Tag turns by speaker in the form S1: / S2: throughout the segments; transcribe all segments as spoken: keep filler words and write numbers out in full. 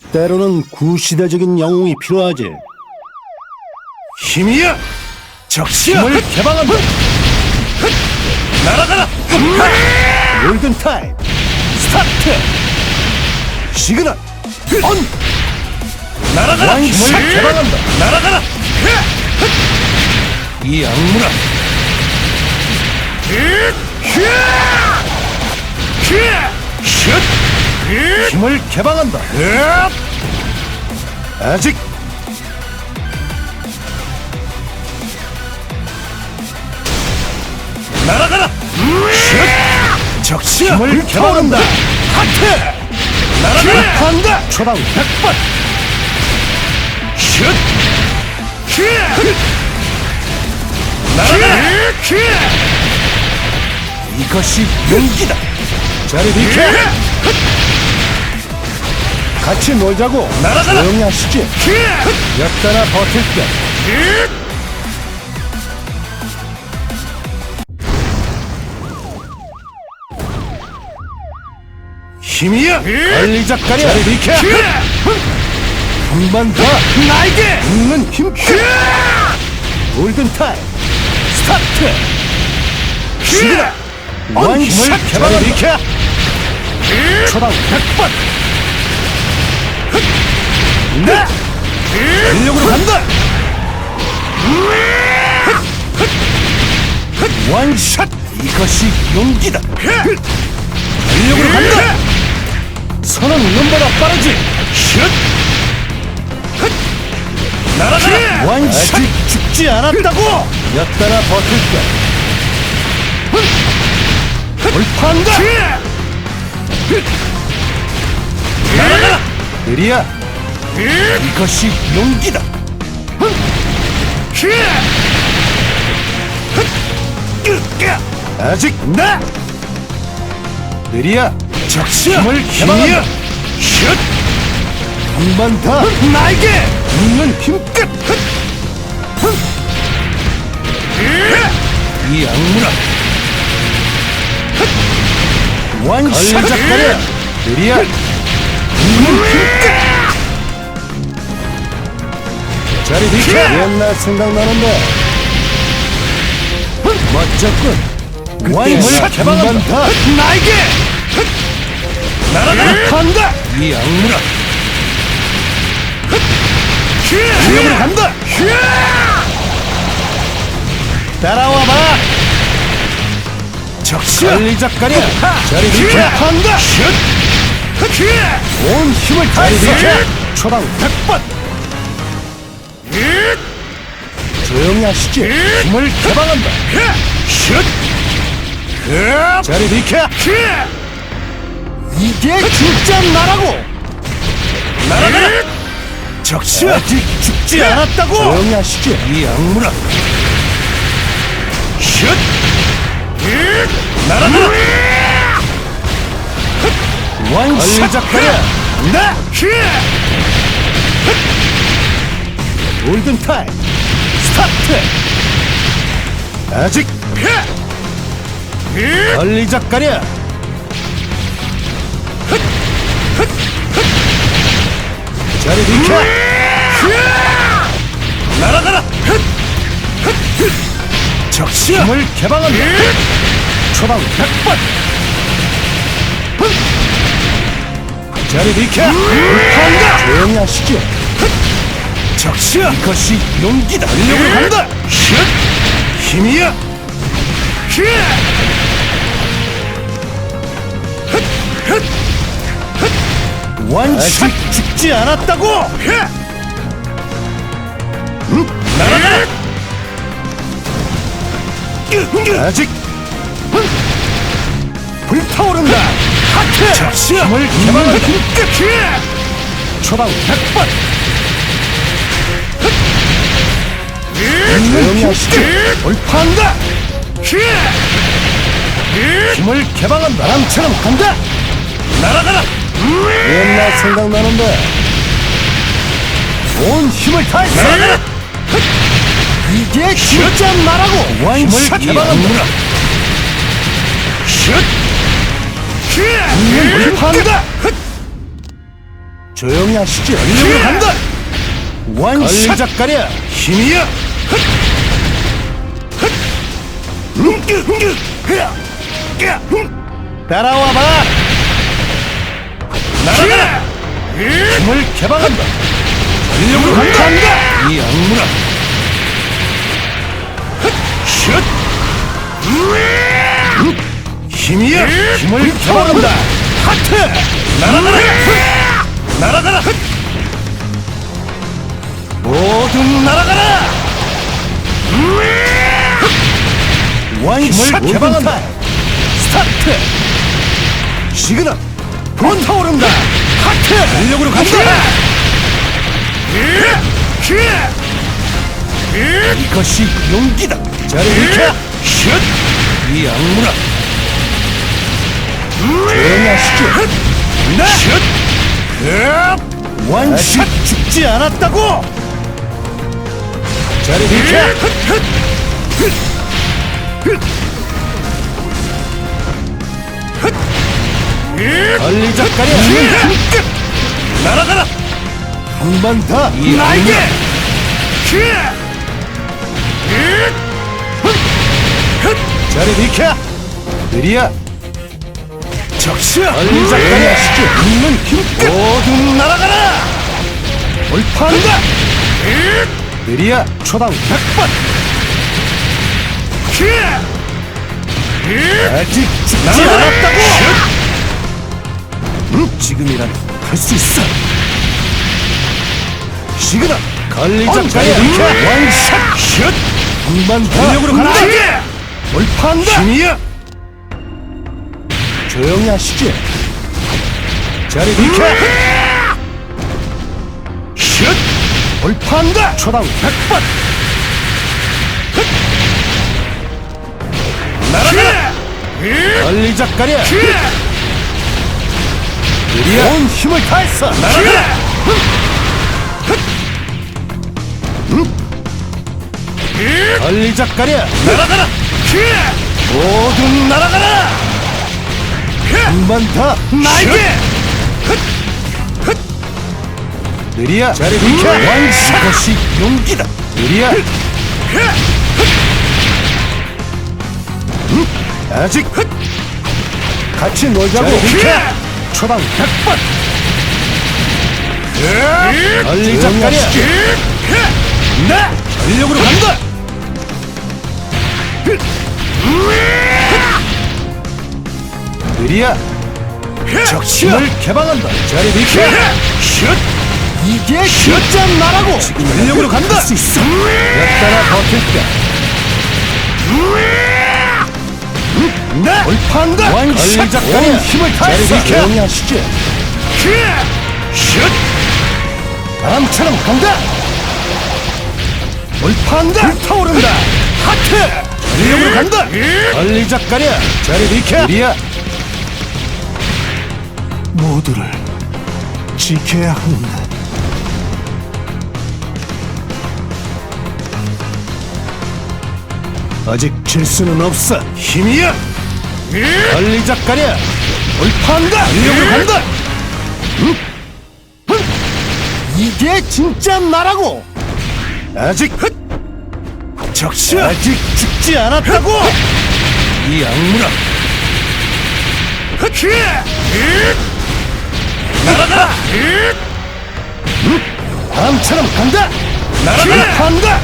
S1: 때로는 구시대적인 영웅이 필요하지.
S2: 힘이야! 적시야!
S1: 힘을 개방한다.
S2: 날아가라!
S1: 골든타임 스타트. 시그널 온.
S2: 날아가라!
S1: 왕샷
S2: 힘을
S1: 개방한다.
S2: 날아가라! 이 악물아! 슛!
S1: 힘을 개방한다. 아직
S2: 날아가라! 슛! 적시야!
S1: 힘을 개방한다.
S2: 하트! 날아가라!
S1: 한다. 초당 백 번.
S2: 슛! 날아가라!
S1: 이것이 용기다. 자리 비켜. 같이 놀자고.
S2: 날아가라!
S1: 조용히 하시지. 몇 달아 버틸게.
S2: 힘이야!
S1: 빨리 작가려. 자리 비켜. 한 번 더.
S2: 나에게!
S1: 있는 힘. 골든타임 스타트. 시그널 왕 힘을
S2: 샷!
S1: 개방한다. 비켜. 초당 백 번. 네. 전력으로 간다. 원샷. 이것이 용기다. 전력으로 간다. 선은 눈보다 빠르지.
S2: 슛! 날아가라!
S1: 원샷. 아직 죽지 않았다고. 몇 달아 버틸게. 돌파한다.
S2: 날아가라!
S1: 느리야. 이것이 용기다. 아직 나. 느리야.
S2: 적시야!
S1: 힘을
S2: 힘이야!
S1: 개방한다.
S2: 슛!
S1: 한 번 더.
S2: 나에게!
S1: 있는 힘끝.
S2: 이 악물아!
S1: 원샷. 걸작거려. 느리야. 있는 힘끝. 자리 비켜. 옛날 생각나는데. 멋졌군. 원샷. 개방한다. 더.
S2: 나에게! 날아가라!
S1: 한다.
S2: 이 악물아!
S1: 위험으로 간다. 따라와봐.
S2: 적시야!
S1: 빨리 작가려. 자리 비켜. 한다. 온 힘을 다해서 초당 백 번. 조용히 하시지. 힘을 개방한다.
S2: 슛!
S1: 자리 비켜. 이게 진짜 나라고.
S2: 날아가라! 적시야!
S1: 아직 죽지 않았다고. 조용히 하시지.
S2: 이 악물아! 슛! 날아가라!
S1: 원샷.
S2: 빨리 작가려!
S1: 나. 골든타임 스타트. 아직 빨리 작가려. 자리 비켜.
S2: 날아가라! 적시야!
S1: 힘을 개방한다. 초당 백 번. 자리 비켜. 한다. 조용히 하시지.
S2: 적시야!
S1: 이것이 용기다. 전력으로 간다.
S2: 슛! 힘이야!
S1: 원샷. 죽지 않았다고.
S2: 날아가라!
S1: 아직 불타오른다. 하트.
S2: 적시야!
S1: 힘을 개방한다. 초당 백 번. 조용히 하시지. 돌파한다. 힘을 개방한다. 바람처럼 간다.
S2: 날아가라!
S1: 옛날 생각나는데. 온 힘을 다해서.
S2: 날아가라!
S1: 이게 진짜 나라고. 원샷.
S2: 이
S1: 개방한다.
S2: 악물아! 슛!
S1: 힘을 돌파한다.
S2: 조용히 하시죠. 전력으로 간다. 원샷.
S1: 걸작가랴.
S2: 힘이야.
S1: 따라와봐.
S2: 날아가라.
S1: 힘을 개방한다.
S2: 전력으로 간다.
S1: 이 악물아.
S2: 슛. 힘이야.
S1: 힘을 개방한다.
S2: 하트. 날아가라. 날아가라.
S1: 모두
S2: 날아가라. 원샷
S1: 힘을
S2: 개방한다. 스타트. 시그널. 불타오른다. 하트.
S1: 전력으로 간다.
S2: 이것이 용기다.
S1: 자리 비켜.
S2: 슛.
S1: 이 악물아.
S2: 조용히 하시죠. 네. 슛. 원샷. 죽지 않았다고.
S1: 자리 비켜. 걸작가랴.
S2: 날아가라.
S1: 한 번 더. 이
S2: 나에게.
S1: 악물아. 자리 비켜. 느리야.
S2: 적시야.
S1: 걸작가랴.
S2: 있는 힘껏
S1: 모두
S2: 날아가라.
S1: 돌파한다. 느리야. 초당 백 번. 아직 죽지
S2: 날아가라.
S1: 않았다고.
S2: 음, 지금이란 할 수 있어. 시그널.
S1: 걸작가랴.
S2: 원샷. 슛.
S1: 한 번 더.
S2: 전력으로 간다.
S1: 돌파한다.
S2: 힘이야.
S1: 조용히 하시지. 자리 비켜.
S2: 슛.
S1: 돌파한다. 초당 백 번.
S2: 날아가라.
S1: 걸작가랴. 느리야. 온 힘을 다했어.
S2: 날아가라.
S1: 걸작가랴.
S2: 날아가라.
S1: 모두
S2: 날아가라.
S1: 한 번 더.
S2: 나에게.
S1: 느리야. 자리 비켜.
S2: 원샷. 이것이 용기다.
S1: 느리야.
S2: 아직
S1: 같이 놀자고.
S2: 자리 비켜.
S1: 초당 백 번.
S2: 조용히
S1: 걸작가랴.
S2: 하시지. 나
S1: 전력으로 간다. 느리야.
S2: 적시야.
S1: 힘을 개방한다. 자리 비켜.
S2: 슛.
S1: 이게 진짜 나라고. 전력으로 간다.
S2: 할 수 있어.
S1: 몇 달아 버틸까.
S2: 나
S1: 돌파한다.
S2: 원샷.
S1: 걸작가랴.
S2: 온 힘을 다했어.
S1: 자리 비켜. 조용히 하시지.
S2: 슛.
S1: 바람처럼 간다. 돌파한다.
S2: 불타오른다. 하트.
S1: 전력으로 간다. 걸작가랴. 자리 비켜. 느리야.
S2: 모두를 지켜야 한다. 아직 질 수는 없어. 힘이야.
S1: 걸작가랴. 돌파한다.
S2: 전력으로 간다.
S1: 이게 진짜 나라고.
S2: 아직 적시야.
S1: 아직 죽지 않았다고. 이 악물아.
S2: 날아가라.
S1: 바람처럼 간다.
S2: 날아가라.
S1: 돌파한다.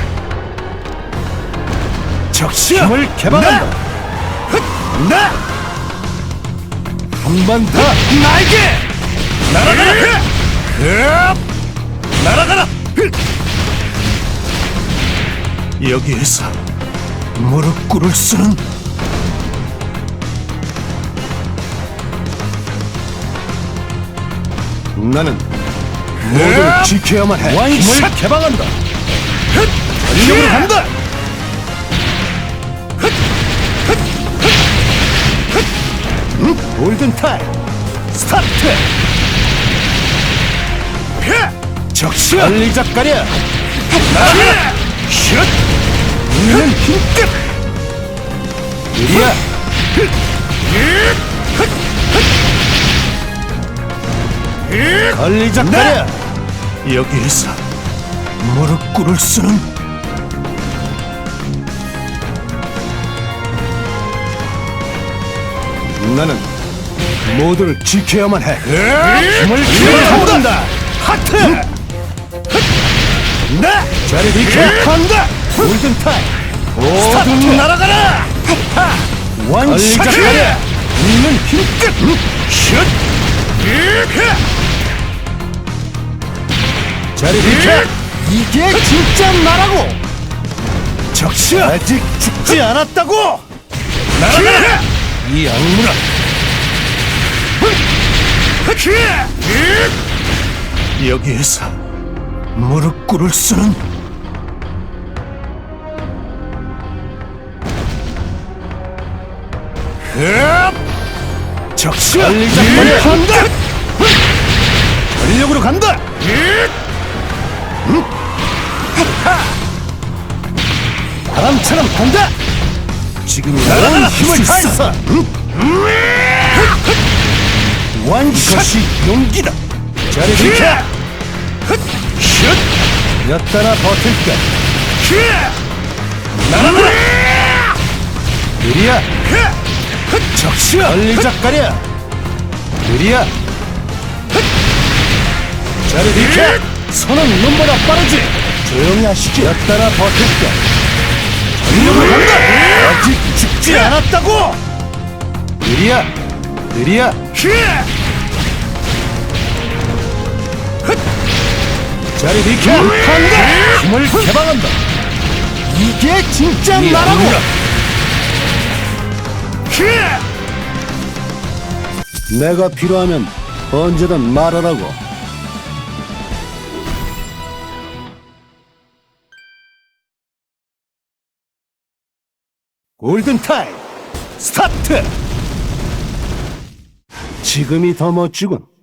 S2: 적시야.
S1: 힘을 개방한다.
S2: 나
S1: 한 번 더.
S2: 나에게. 날아가라. 흡. 날아가라. 여기에서 무릎 꿇을 수는.
S1: 나는
S2: 모두를
S1: 지켜야만 해.
S2: 원샷.
S1: 힘을 개방한다.
S2: 전력으로 간다.
S1: 골든타임.
S2: 스타트. 적시야.
S1: 걸작가랴.
S2: 날아가라. 슛.
S1: 있는 힘끝. 느리야.
S2: 슛. 걸리작거려. 여기에서 무릎 꿇을 수는. 나는 모두를 지켜야만 해. 힘을 기울여본다. 하트. 나 자리 비켜. 한다. 골든 타임. 모두 날아가라. 원샷. 있는 힘끝. 슛. 자리 비켜. 이게 진짜 나라고. 적시 아직 죽지 않았다고. 날아가라. 이 악물아. 여기에서 무릎 꿇을 수는. 적시 걸리작거려. 한다. 전력으로 간다. 바람처럼 간다. 지금이야. 온 힘을 다했어. 원샷이 용기다. 자리 비켜. 슛. 몇 달아 버틸까. 날아가라. 느리야. 적시야. 걸리작거려. 느리야. 자리 비켜. 손은 눈보다 빠르지. 조용히 하시지. 몇 달아 버틸까. 전력으로 간다. 아직 죽지 않았다고. 느리야. 느리야. 자리 비켜. 한다. 힘을 개방한다. 이게 진짜 나라고. 내가 필요하면 언제든 말하라고. 골든타임 스타트. 지금이 더 멋지군.